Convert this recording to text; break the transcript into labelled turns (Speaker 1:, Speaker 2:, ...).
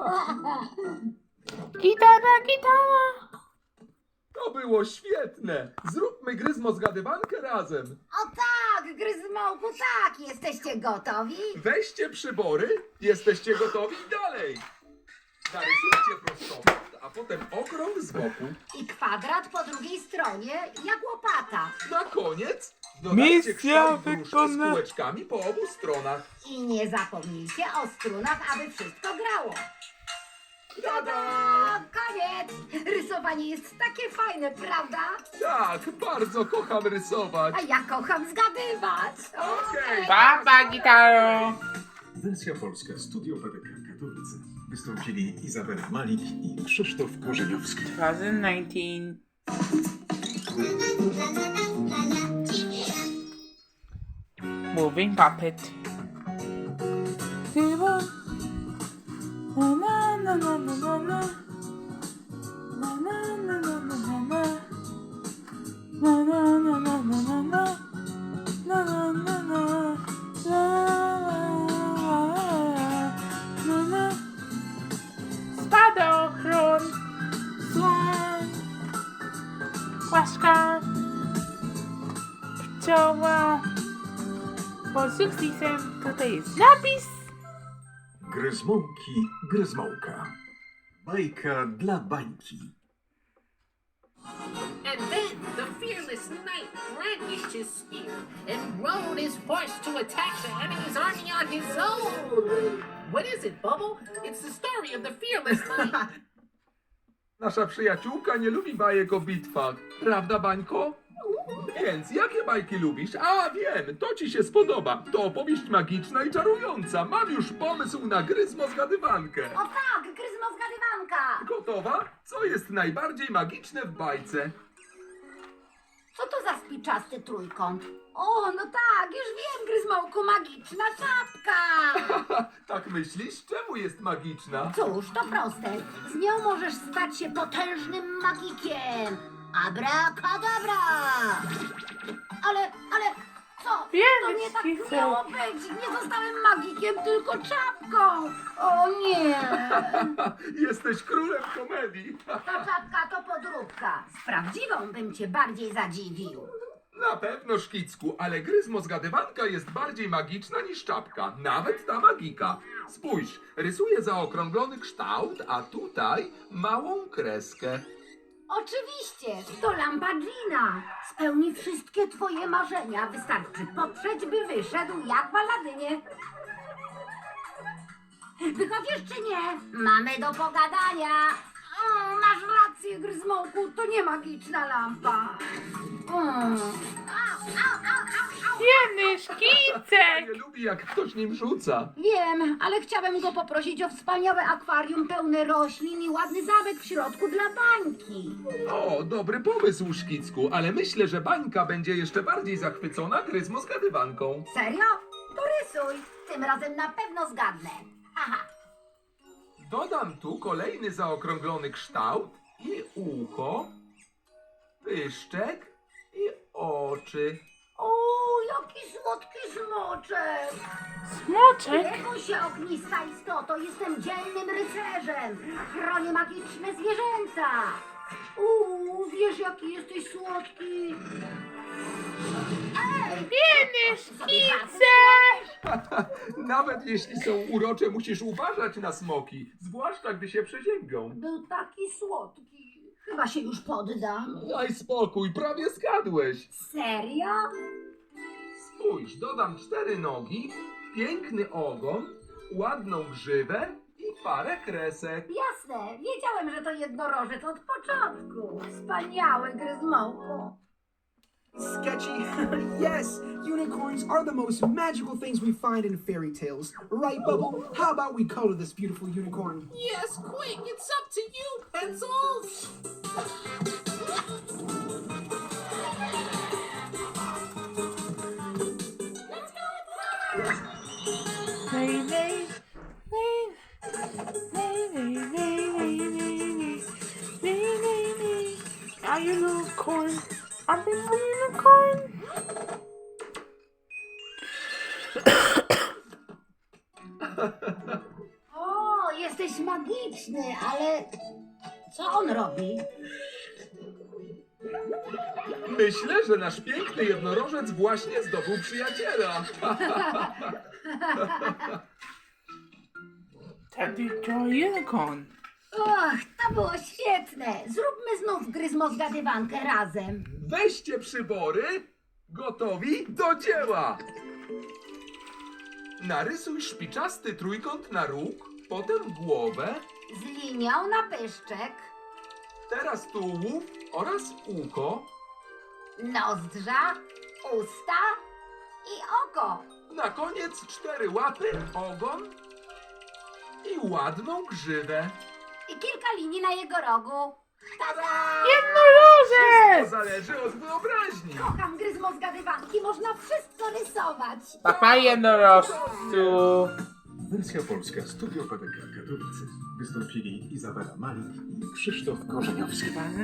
Speaker 1: Gitara.
Speaker 2: To było świetne! Zróbmy Gryzmo zgadywankę razem.
Speaker 3: O tak, Gryzmołku, tak. Jesteście gotowi?
Speaker 2: Weźcie przybory, jesteście gotowi dalej. Narysujcie prostokąt, a potem okrąg z boku.
Speaker 3: I kwadrat po drugiej stronie, jak łopata.
Speaker 2: Na koniec dodajcie
Speaker 1: Misja
Speaker 2: kształt wróżki z
Speaker 1: wykonana.
Speaker 2: kółeczkami po obu stronach.
Speaker 3: I nie zapomnijcie o strunach, aby wszystko grało.
Speaker 2: Tada!
Speaker 3: A, koniec! Rysowanie jest takie fajne, prawda?
Speaker 2: Tak, bardzo kocham rysować.
Speaker 3: A ja kocham zgadywać.
Speaker 2: Okej.
Speaker 1: Papa, gitaro.
Speaker 4: Wersja polska, Studio PDK Katowice. Wystąpili Izabela Malik i Krzysztof Korzeniowski.
Speaker 1: 2019. Moving puppet. Na na na na na na na. Na na na na na na na. Na na na na na na na. Na na na na. La la la. Spadochron. Słoń. Łaszka. Pcioła. Po sukcesem tutaj jest napis.
Speaker 4: Gryzmołki, Gryzmołka. Bajka dla bańki.
Speaker 5: And then the fearless knight brandished his spear and rode his horse to attack the enemy's army on his own. What is it, Bubble? It's the story of the fearless knight.
Speaker 2: Nasza przyjaciółka nie lubi bajek o bitwach. Prawda, Bańko? Więc jakie bajki lubisz? A, wiem, to ci się spodoba. To opowieść magiczna i czarująca. Mam już pomysł na Gryzmo zgadywankę.
Speaker 3: O tak, Gryzmo zgadywanka.
Speaker 2: Gotowa? Co jest najbardziej magiczne w bajce?
Speaker 3: Co to za spiczasty trójkąt? O, no tak, już wiem, Gryzmołku, magiczna czapka.
Speaker 2: Tak myślisz? Czemu jest magiczna?
Speaker 3: Cóż, to proste. Z nią możesz stać się potężnym magikiem. Abracadabra! Ale, co?
Speaker 1: Wiemy,
Speaker 3: To nie tak
Speaker 1: Skice.
Speaker 3: miało być. Nie zostałem magikiem, tylko czapką. O nie!
Speaker 2: Jesteś królem komedii.
Speaker 3: Ta czapka to podróbka. Z prawdziwą bym cię bardziej zadziwił.
Speaker 2: Na pewno, Szkicku, ale Gryzmo zgadywanka jest bardziej magiczna niż czapka. Nawet ta magika. Spójrz, rysuje zaokrąglony kształt, a tutaj małą kreskę.
Speaker 3: Oczywiście, to lampa Gina. Spełni wszystkie twoje marzenia. Wystarczy potrzeć, by wyszedł jak w Aladynie. Wychodzisz czy nie? Mamy do pogadania. O, masz rację, Gryzmołku, to nie magiczna lampa. Au, au, au, au, au.
Speaker 1: Jeny
Speaker 2: Nie
Speaker 1: szkicek.
Speaker 2: lubi, jak ktoś nim rzuca.
Speaker 3: Wiem, ale chciałem go poprosić o wspaniałe akwarium pełne roślin i ładny zamek w środku dla bańki.
Speaker 2: O, dobry pomysł, Szkicku, ale myślę, że Bańka będzie jeszcze bardziej zachwycona Gryzmo zgadywanką.
Speaker 3: Serio? To rysuj. Tym razem na pewno zgadnę. Haha.
Speaker 2: Dodam tu kolejny zaokrąglony kształt i ucho, pyszczek i oczy.
Speaker 3: O, jaki słodki smoczek!
Speaker 1: Smoczek.
Speaker 3: Nie bój się, ognista istoto, jestem dzielnym rycerzem. Chronię magiczne zwierzęta. Wiesz, jaki jesteś słodki.
Speaker 1: Jeny szkicek.
Speaker 2: Nawet jeśli są urocze, musisz uważać na smoki, zwłaszcza gdy się przeziębią.
Speaker 3: Był taki słodki. Chyba się już poddam.
Speaker 2: Daj spokój, prawie zgadłeś.
Speaker 3: Serio?
Speaker 2: Spójrz, dodam 4 nogi, piękny ogon, ładną grzywę i parę kresek.
Speaker 3: Jasne, wiedziałem, że to jednorożec od początku. Wspaniały, Gryzmołku.
Speaker 6: Sketchy? Yes, unicorns are the most magical things we find in fairy tales. Right, Bubble? How about we color this beautiful unicorn?
Speaker 5: Yes, quick, it's up to you, pencils.
Speaker 1: Lay, lay, lay, lay, lay, lay, lay, lay, lay, lay. Are you unicorn? Are you a unicorn?
Speaker 3: O, jesteś magiczny, ale co on robi?
Speaker 2: Myślę, że nasz piękny jednorożec właśnie zdobył przyjaciela.
Speaker 1: Teddy to unicorn.
Speaker 3: Och, to było świetne. Zróbmy znów gryzmozgadywankę razem.
Speaker 2: Weźcie przybory. Gotowi? Do dzieła! Narysuj szpiczasty trójkąt na róg, potem głowę,
Speaker 3: Z linią na pyszczek,
Speaker 2: teraz tułów oraz ucho.
Speaker 3: nozdrza, usta i oko.
Speaker 2: Na koniec 4 łapy, ogon i ładną grzywę.
Speaker 3: I kilka linii na jego rogu. Tada!
Speaker 2: To
Speaker 1: Jednorożec!
Speaker 2: zależy od wyobraźni.
Speaker 3: Kocham gryzmozgadywanki, można wszystko rysować.
Speaker 1: Papa jednorożcu.
Speaker 4: Wersja polska Studio PPK Katowice. Wystąpili Izabela Malik i Krzysztof Korzeniowski.